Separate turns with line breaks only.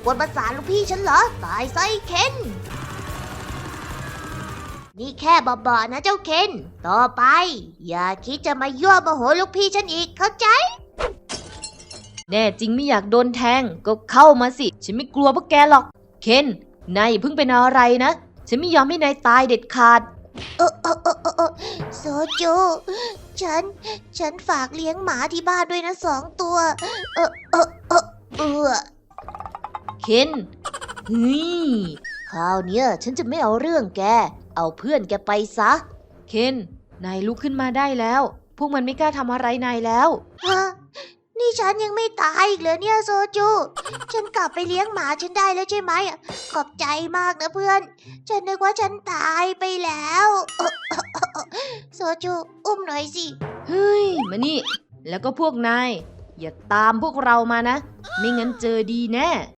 กวนประสาทลูกพี่ฉันเหรอตายไซเคนนี่แค่บอๆนะเจ้าเคนต่อไปอย่าคิดจะมายั่วโมโหลูกพี่ฉันอีกเข้าใจ
แน่จริงไม่อยากโดนแทงก็เข้ามาสิฉันไม่กลัวพวกแกหรอกเคนนายอย่าเพิ่งเป็นอะไรนะฉันไม่ยอมให้นายตายเด็ดขาด
โซจูฉันฝากเลี้ยงหมาที่บ้านด้วยนะ2 ตัวเออ
เคนเฮ้ย
คราวเนี้ยฉันจะไม่เอาเรื่องแกเอาเพื่อนแกไปซะ
เคนนายลุกขึ้นมาได้แล้วพวกมันไม่กล้าทำอะไรนายแล้ว
ฮะนี่ฉันยังไม่ตายอีกเหรอเนี่ยโซจูฉันกลับไปเลี้ยงหมาฉันได้แล้วใช่ไหมขอบใจมากนะเพื่อนฉันนึกว่าฉันตายไปแล้วโซจูอุ้มหน่อยสิ
เฮ้ยมานี่แล้วก็พวกนายอย่าตามพวกเรามานะไม่งั้นเจอดีแน่